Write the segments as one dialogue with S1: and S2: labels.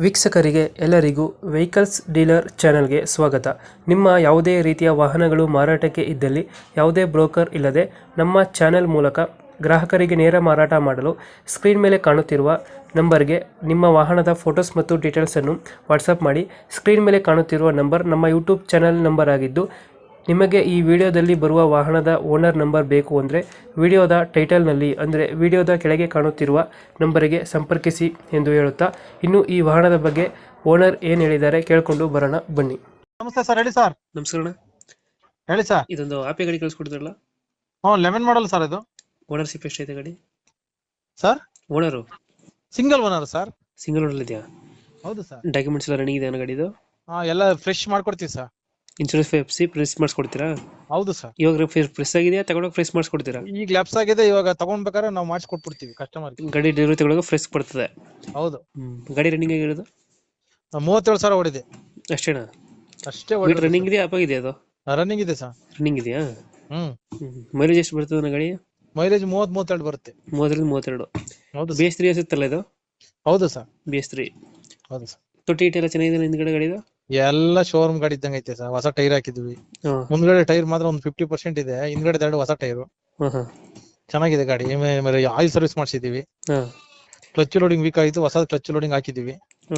S1: ವೀಕ್ಷಕರಿಗೆ ಎಲ್ಲರಿಗೂ vehicles dealer ಚಾನೆಲ್ಗೆ ಸ್ವಾಗತ. ನಿಮ್ಮ ಯಾವುದೇ ರೀತಿಯ ವಾಹನಗಳು ಮಾರಾಟಕ್ಕೆ ಇದ್ದಲ್ಲಿ ಯಾವುದೇ ಬ್ರೋಕರ್ ಇಲ್ಲದೆ ನಮ್ಮ ಚಾನೆಲ್ ಮೂಲಕ ಗ್ರಾಹಕರಿಗೆ ನೇರ ಮಾರಾಟ ಮಾಡಲು ಸ್ಕ್ರೀನ್ ಮೇಲೆ ಕಾಣುತ್ತಿರುವ ನಂಬರ್ಗೆ ನಿಮ್ಮ ವಾಹನದ ಫೋಟೋಸ್ ಮತ್ತು ಡೀಟೇಲ್ಸನ್ನು ವಾಟ್ಸಪ್ ಮಾಡಿ. ಸ್ಕ್ರೀನ್ ಮೇಲೆ ಕಾಣುತ್ತಿರುವ ನಂಬರ್ ನಮ್ಮ ಯೂಟ್ಯೂಬ್ ಚಾನೆಲ್ ನಂಬರ್ ಆಗಿದ್ದು, ನಿಮಗೆ ಈ ವಿಡಿಯೋದಲ್ಲಿ ಬರುವ ವಾಹನದ ಓನರ್ ನಂಬರ್ ಬೇಕು ಅಂದರೆ ವಿಡಿಯೋದ ಟೈಟಲ್ನಲ್ಲಿ ಅಂದರೆ ವಿಡಿಯೋದ ಕೆಳಗೆ ಕಾಣುತ್ತಿರುವ ನಂಬರಿಗೆ ಸಂಪರ್ಕಿಸಿ ಎಂದು ಹೇಳುತ್ತಾ, ಇನ್ನು ಈ ವಾಹನದ ಬಗ್ಗೆ ಓನರ್ ಏನು ಹೇಳಿದ್ದಾರೆ ಕೇಳಿಕೊಂಡು ಬರೋಣ ಬನ್ನಿ.
S2: ನಮಸ್ತೆ ಸರ್, ಹೇಳಿ ಸರ್.
S1: ನಮಸ್ಕಾರ.
S2: ಹೇಳಿ ಸರ್.
S1: ಇದೊಂದು ಆಪಿ ಗಾಡಿ ಕಳಿಸ್ಕೊಡ್ತಾರಲ್ಲ,
S2: ಲೆಮನ್ ಮಾಡಲ್ ಸರ್ ಇದು.
S1: ಓನರ್ಶಿಪ್ ಎಷ್ಟೈತೆ ಗಾಡಿ
S2: sir?
S1: Owner
S2: single owner sir.
S1: Single owner ಇದೆಯಾ?
S2: ಹೌದು ಸರ್.
S1: ಡಾಕ್ಯುಮೆಂಟ್ಸ್ ಎಲ್ಲ ರನ್ನಿಂಗ್ ಇದೆ ಗಾಡಿದು?
S2: ಎಲ್ಲ ಫ್ರೆಶ್ ಮಾಡ್ಕೊಡ್ತೀವಿ ಸರ್.
S1: ಇನ್ಶೂರೆನ್ಸ್ ಎಫ್ಸಿ ಪ್ರೆಸ್ ಮಾಡಿಸ್ಕೊಡ್ತೀರಾ?
S2: ಹೌದು ಸರ್.
S1: ಇವಾಗ ಫ್ರೆಶ್ ಆಗಿದೆಯಾ? ತಗೊಂಡೋಗಿ ಫ್ರೆಶ್ ಮಾಡಿಸ್ಕೊಡ್ತೀರಾ?
S2: ಈಗ ಲ್ಯಾಪ್ಸ್ ಆಗಿದೆ, ಇವಾಗ ತಗೊಂಡ್ಬೇಕಾದ್ರೆ ನಾವು ಮಾಡಿಸ್ಕೊಟ್ಬಿಡ್ತೀವಿ ಕಸ್ಟಮರ್.
S1: ಗಾಡಿ ಡೆಲಿವರಿ ತಗೊಳ್ಳೋಕೆ ಫ್ರೆಶ್ ಬರ್ತದೆ?
S2: ಹೌದು.
S1: ಗಾಡಿ ರನ್ನಿಂಗ್ ಆಗಿರೋದು
S2: 37,000 ಓಡಿದೆ
S1: ಅಷ್ಟೇನಾ?
S2: ಅಷ್ಟೇ.
S1: ರನ್ನಿಂಗ್ ಇದೆಯಾ ಅಪ್ಪ ಇದೆಯಾ? ಅದು
S2: ರನ್ನಿಂಗ್ ಇದೆ ಸರ್.
S1: ರನ್ನಿಂಗ್ ಇದೆಯಾ? ಮೈಲೇಜ್ ಎಷ್ಟು ಬರ್ತದೆ ಗಾಡಿ?
S2: ಮೈಲೇಜ್ 30-32 ಬರುತ್ತೆ.
S1: 30-32.
S2: ಹೌದು.
S1: BS3 ಅನ್ಸುತ್ತಲ್ಲ ಇದು?
S2: ಹೌದು ಸರ್.
S1: BS3.
S2: ಹೌದು ಸರ್.
S1: ತೊಟ್ಟಿ ಎಲ್ಲ ಚೆನ್ನಾಗಿದೆ ಹಿಂದ್ಗಡೆ ಗಾಡಿದು?
S2: ಎಲ್ಲ ಶೋರೂಮ್ ಗಾಡಿ ಇದ್ದಂಗೆ ಐತೆ ಸರ್. ಹೊಸ ಟೈರ್ ಹಾಕಿದ್ವಿ. ಮುಂದ್ಗಡೆ ಟೈರ್ ಮಾತ್ರ ಒಂದು 50% ಇದೆ, ಹಿಂದ್ಗಡೆ 2 ಹೊಸ ಟೈರು. ಚೆನ್ನಾಗಿದೆ ಗಾಡಿ. ಆಯಿಲ್ ಸರ್ವಿಸ್ ಮಾಡಿಸಿದೀವಿ. ಕ್ಲಚ್ ಲೋಡಿಂಗ್ ವೀಕ್ ಆಯ್ತು, ಹೊಸ ಕ್ಲಚ್ ಲೋಡಿಂಗ್ ಹಾಕಿದೀವಿ.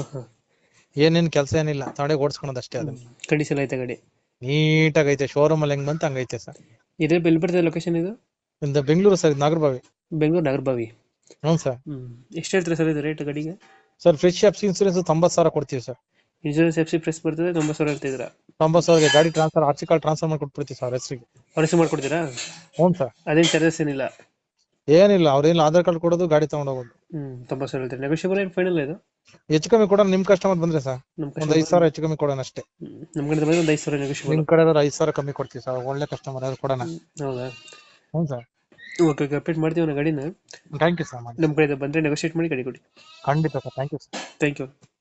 S2: ಏನೇನ್ ಕೆಲಸ ಏನಿಲ್ಲ, ತಗೊಂಡೆ ಓಡಿಸ್ಕೊಳೋದು ಅಷ್ಟೇ. ಅದನ್ನ
S1: ಕಂಡೀಷನ್ ಐತೆ ಗಾಡಿ?
S2: ನೀಟಾಗಿ ಐತೆ. ಶೋರೂಮ್ ಅಲ್ಲಿ ಹೆಂಗ್ ಬಂತ ಹಂಗೈತೆ ಸರ್.
S1: ಇದೇ ಎಲ್ಲಿ ಬರ್ತದೆ ಲೊಕೇಶನ್ ಇದು?
S2: ಬೆಂಗಳೂರು ಸರ್, ನಾಗರಬಾವಿ.
S1: ಬೆಂಗಳೂರು ನಾಗರಬಾವಿ.
S2: ಹ್ಞೂ ಸರ್.
S1: ಎಷ್ಟು ಹೇಳ್ತೀರಾ ಸರ್ ಇದು ರೇಟ್ ಗಾಡಿಗೆ?
S2: ಸರ್ ಫ್ರೆಶ್ ಎಫ್ಸಿ ಇನ್ಸೂರೆನ್ಸ್ 90,000 ಕೊಡ್ತೀವಿ ಸರ್.
S1: ಇನ್ಶೂರೆನ್ಸ್ ಎಫ್ಸಿ ಪ್ರೆಸ್ ಬರ್ತದೆ 90,000 ಹೇಳ್ತಿದ್ದೀರಾ?
S2: 90,000 ಗಾಡಿ ಟ್ರಾನ್ಸ್ಫರ್, ಆರ್ಸಿ ಕಾರ್ಡ್ ಟ್ರಾನ್ಸ್ಫರ್ ಮಾಡಿ ಕೊಟ್ಬಿಡ್ತೀವಿ ಸರ್ ಹೆಸರಿಗೆ.
S1: ಅವ್ರ ಮಾಡ್ಕೊಡ್ತೀರಾ?
S2: ಹ್ಞೂ ಸರ್.
S1: ಅದೇನು ಚಾರ್ಜಸ್ ಏನಿಲ್ಲ?
S2: ಏನಿಲ್ಲ, ಅವ್ರೇನು ಆಧಾರ್ ಕಾರ್ಡ್ ಕೊಡೋದು, ಗಾಡಿ ತಗೊಂಡ್ ಹೋಗೋದು.
S1: 90,000 ಹೇಳ್ತೀರಿ. ನೆಗೋಷಿಯಬಲ್ ಏನು ಫೈನಲ್ ಇದು?
S2: ಹೆಚ್ಚು ಕಮ್ಮಿ ಕೊಡೋಣ, ನಿಮ್ ಕಸ್ಟಮರ್ ಬಂದ್ರೆ ಸರ್. ಒಂದು 5,000 ಹೆಚ್ಚು ಕಮ್ಮಿ ಕೊಡೋಣ ಅಷ್ಟೇ.
S1: ನಮ್ಮ ಕಡೆ ಬಂದ್ರೆ ಒಂದು 5,000 ನೆಗೋಷಿಯಬಲ್.
S2: ನಿಮ್ ಕಡೆ 5,000 ಕಮ್ಮಿ ಕೊಡ್ತೀವಿ ಸರ್. ಒಳ್ಳೆ ಕಸ್ಟಮರ್ ಯಾರು ಕೊಡೋಣ.
S1: ಹೌದಾ?
S2: ಹ್ಞೂ ಸರ್.
S1: ಓಕೆ, ಅಪ್ಡೇಟ್ ಮಾಡ್ತೀವಿ ನಾವು ಗಾಡಿನ.
S2: Thank you sir.
S1: ನಮ್ಮ ಕಡೆ ಬಂದರೆ ನೆಗೋಷಿಯೇಟ್ ಮಾಡಿ ಗಾಡಿ ಕೊಡಿ.
S2: ಖಂಡಿತ sir. Thank you sir.
S1: Thank you.